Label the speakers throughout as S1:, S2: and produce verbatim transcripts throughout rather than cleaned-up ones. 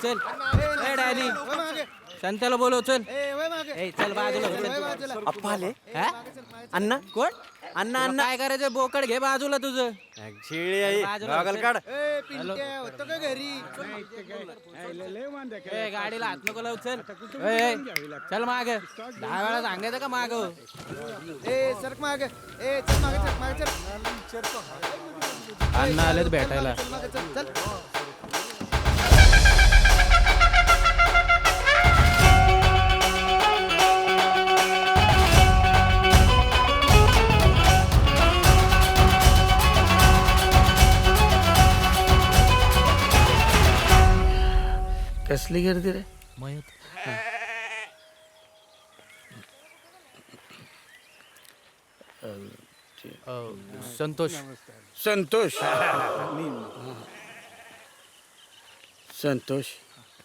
S1: चल ए डॅनी संत्याला बोलव चल ए चल बाजूला हो, चल.
S2: अप्पा आले
S1: हा?
S2: अण्णा
S1: कोण
S2: अण्णा
S1: तुला
S2: अण्णा
S1: काय करायचं बोकड घे बाजूला तुझं
S2: शेळी आहे
S1: बाजूला
S2: गॉगल
S1: बसेल.
S2: काढ
S1: ए गाडीला हात नको लावू चल ए, ए, चल माग दहा वेळा सांगायचं का माग
S3: सरक माग ए चल मागे चल मागे चल
S1: अण्णा आलेत भेटायला
S3: मागे चल चल
S2: कसली गर्दी रे
S1: संतोष
S4: संतोष संतोष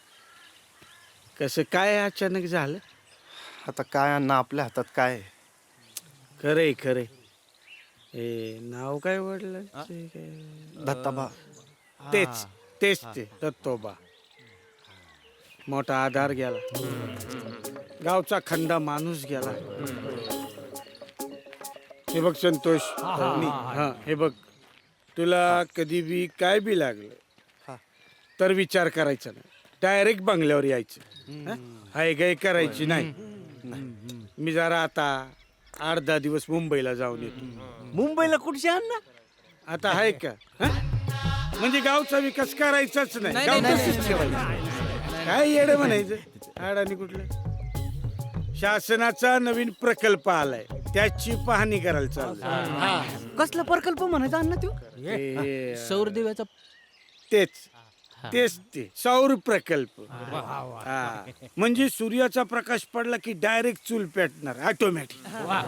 S4: कसं काय अचानक झालं
S2: आता काय अण्णा आपल्या हातात काय आहे?
S4: खरंय खरंय ए नाव काय वडलं
S2: दत्ताबा
S4: तेच तेच ते दत्तोबा मोठा आधार गेला गावचा खंडा माणूस गेला हे बघ संतोष हा हे बघ तुला कधी बी काय बी लागलं तर विचार करायचा नाही डायरेक्ट बंगल्यावर यायचं हाय गाय करायची नाही मी जरा आता आठ दहा दिवस मुंबईला जाऊन येतो
S2: मुंबईला कुठचे अण्णा
S4: आता आहे का हं? म्हणजे गावचा विकास करायचाच नाही
S1: नाही,
S4: गाव
S1: नाही,
S4: तसंच ठेवायचं काय येडं म्हणायचं अडाणी कुठलं शासनाचा नवीन प्रकल्प आलाय त्याची पाहणी करायला चालू
S2: कसला प्रकल्प म्हणायचा अण्णा तो
S1: सौर दिव्याचा
S4: तेच तेच ते सौर प्रकल्प हा म्हणजे सूर्याचा प्रकाश पडला की डायरेक्ट चूल पेटणार ऑटोमॅटिक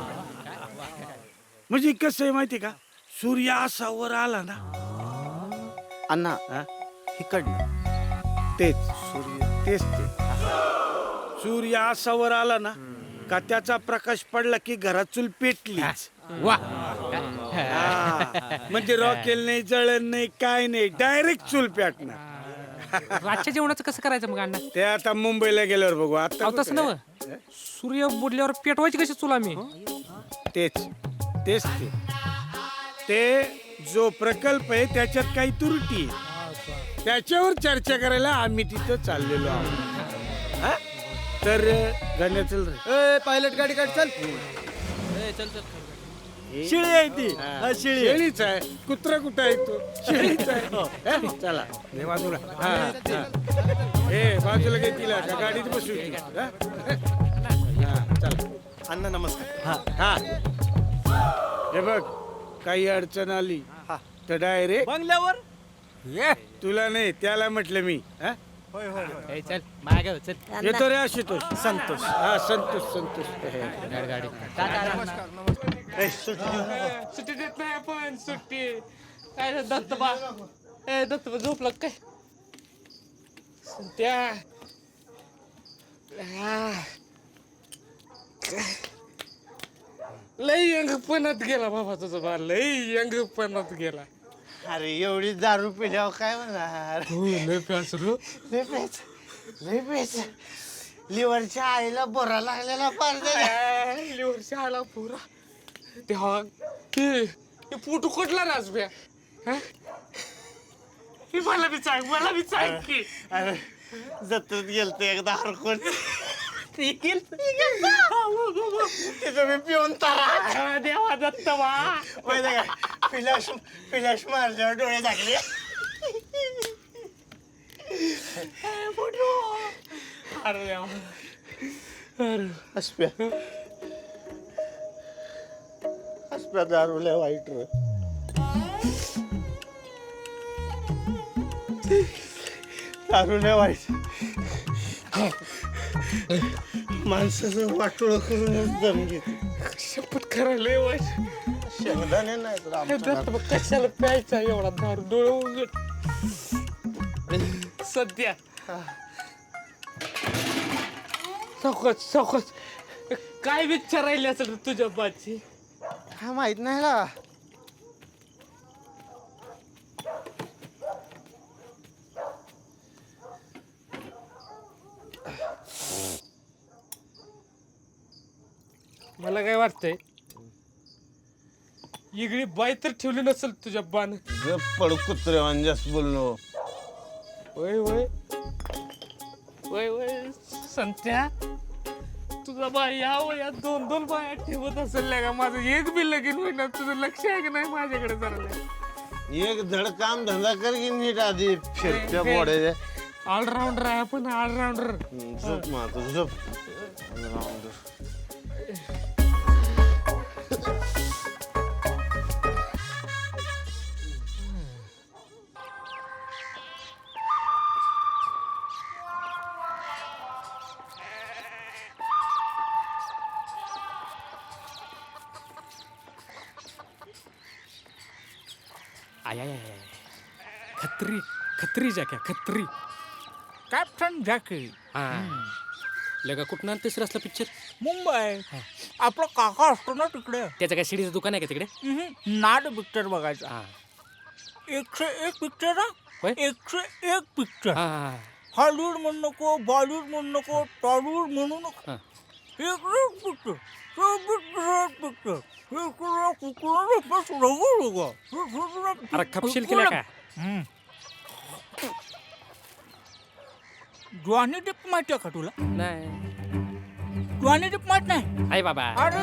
S4: म्हणजे कसं आहे माहिती का सूर्य असा वर आला ना
S2: अण्णा
S4: हा?
S2: इकडनं
S4: तेच सूर्य तेच ते सूर्य असा वर आला ना का त्याचा प्रकाश पडला की घरात चूल पेटली
S1: वा
S4: म्हणजे रॉकेल नाही जळण नाही काय नाही डायरेक्ट चूल पेटणार
S5: रातच्या जेवणाचं कसं करायचं मग अण्णा
S4: ते आता मुंबईला गेल्यावर बघू आता
S5: अहो तसं नव सूर्य बुडल्यावर पेटवायची कशी चुला मी
S4: तेच तेच ते ते जो प्रकल्प आहे त्याच्यात काही त्रुटी आहे. त्याच्यावर चर्चा करायला आम्ही तिथं चाललेलो आहोत हा? तर गाण्या चल रे
S3: ए पायलट गाडी काढ चल
S1: ए, चल चल
S2: शेळी आहे ती हा, शेळी आहे.
S4: शेळीच आहे कुत्रा कुठं आहे तो शेळीच आहे हा? चला हे बाजूला हा, हा. ए बाजूला घे तिला का गाडीत बसू ती, हा? हा, चला
S2: अण्णा नमस्कार हा
S4: हा हे बघ काही अडचण आली तर डायरेक्ट
S2: बंगल्यावर
S4: तुला नाही त्याला म्हटलं मी हा?
S2: होय होय
S1: ए, चल माग हो, चल
S4: येतो रे आशुतोष
S2: संतोष
S4: हा संतोष संतोष
S1: गाडी गाडी
S2: ए, सुट्टी देऊ नका.
S5: सुट्टी देत नाही आपण सुट्टी काय रे दत्तबा ए दत्तबा झोपला काय त्या आ. लई यंगपणात गेला बाबा तुझा बा लई यंगपणात गेला
S2: अरे एवढी दारू पिल्यावर काय म्हणणार
S5: हो लय प्यास रो
S2: लय प्यायचं लय प्यायचं लिव्हरच्या आईला बोरा लागलेला पार
S5: लिव्हर आला पुरा ते हा ते ते पोटू कुठला राजब्या हे मला बी सांग मला बी सांग की
S2: अरे जत्रेत गेलतो एकदा हरकून तिथं मी पिऊन तारा
S5: देवा दत्तवा
S2: माहिती का पिलाश पिलाश मारल्यावर डोळे झाकले
S5: अरे देवा अरे
S2: हसप्या हसप्या दारूल्या वाईट रे दारूल्या वाईट माणसाचं वाटोळं करून दम घेते
S5: शपथ करायला वाईट
S2: शेंगदाणे नाही तर
S5: हे
S2: आमच्या
S5: दत्त बघ कशाला प्यायचा एवढा दारू डोळे उघड सध्या चौकच चौकच काय विचारायला असेल तुझ्या बाची
S2: हा माहित नाही का
S5: मला काय वाटतंय इगळी बाई तर ठेवली नसेल तुझ्या बाण
S2: पड कुत्रे जास्त बोललो
S5: वय वय वय वय संत्या तुझा बाई या वयात दोन दोन बाया ठेवत असेल का माझं एक बी लगीन होईना तुझं लक्ष आहे की नाही माझ्याकडे जरा
S2: एक धड काम धंदा कर की नीट आधी फिरत्या बोडे
S5: ऑलराऊंडर आहे आपण ऑलराऊंडर
S2: झोप मातो झोप ऑलराऊंडर
S5: आय आय आय खत्री खत्री जॅके खत्री
S1: कॅप्टन जॅकी
S5: हा लगा कुठं तिसरा असला पिक्चर
S1: मुंबई आपला काका असतो ना तिकडे
S5: त्याचं काय शिडीचं दुकान आहे का तिकडे
S1: हम्म, नाद पिक्चर बघायचा
S5: हा
S1: एकशे एक पिक्चर
S5: होय?
S1: एकशे एक पिक्चर
S5: हा
S1: हॉलिवूड म्हणू नको बॉलिवूड म्हणू नको टॉलिवूड म्हणू नको
S5: हा.
S1: एक पिक्चर पिक्चर पिक्चर
S5: अरे खपशील केला का
S1: जॉनी डिप माहिती आहे का तुला
S5: नाही
S1: जॉनी डिप माहित नाही
S5: आहे बाबा
S1: अरे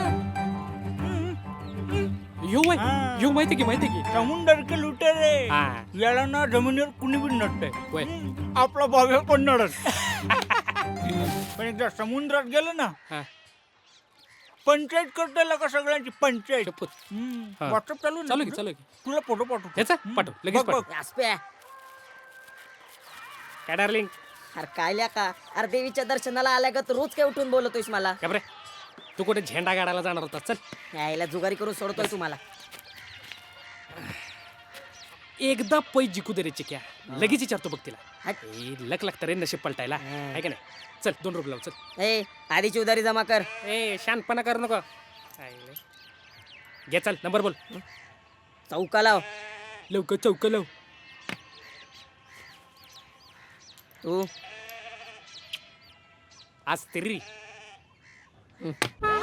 S5: यो माहिती
S1: हा.
S5: यो माहिती की माहिती की
S1: समुंदर के लुटेरे
S5: हा.
S1: याला ना जमिनीवर कुणी बी नसते
S5: होय.
S1: आपला बाबा पण नडत पण एकदा समुद्रात गेलं ना
S5: हा
S1: पंचायत करता का सगळ्यांची पंचायत
S5: शपथ हा.
S1: व्हॉट्सअप चालू आहे ना
S5: चालू की
S1: तुझं?
S5: चालू की
S1: तुला फोटो पाठवतो
S5: त्याचा पाठव लगेच
S1: बघ,
S5: पाठव
S1: बघ.
S5: काय डार्लिंग
S6: अरे काय ल्या का अरे देवीच्या दर्शनाला आल्या का तू रोज काय उठून बोलतोयस मला
S5: का बरे तू कुठे झेंडा गाडायला जाणार होता चल
S6: यायला जुगारी करून सोडतोय तुम्हाला
S5: एकदा पै जिकू दे रे चिक्या लगेच विचारतो बघ तिला
S6: हट.
S5: ए, लक लागतं रे नशीब पलटायला आहे का नाही चल दोन रुपये लाव चल
S6: ए आधीची उधारी जमा कर
S5: ए शानपणा करू नको आईले. घे चल नंबर बोल
S6: चौका लाव
S5: लवकर चौक लाव
S6: तू
S5: आज तरी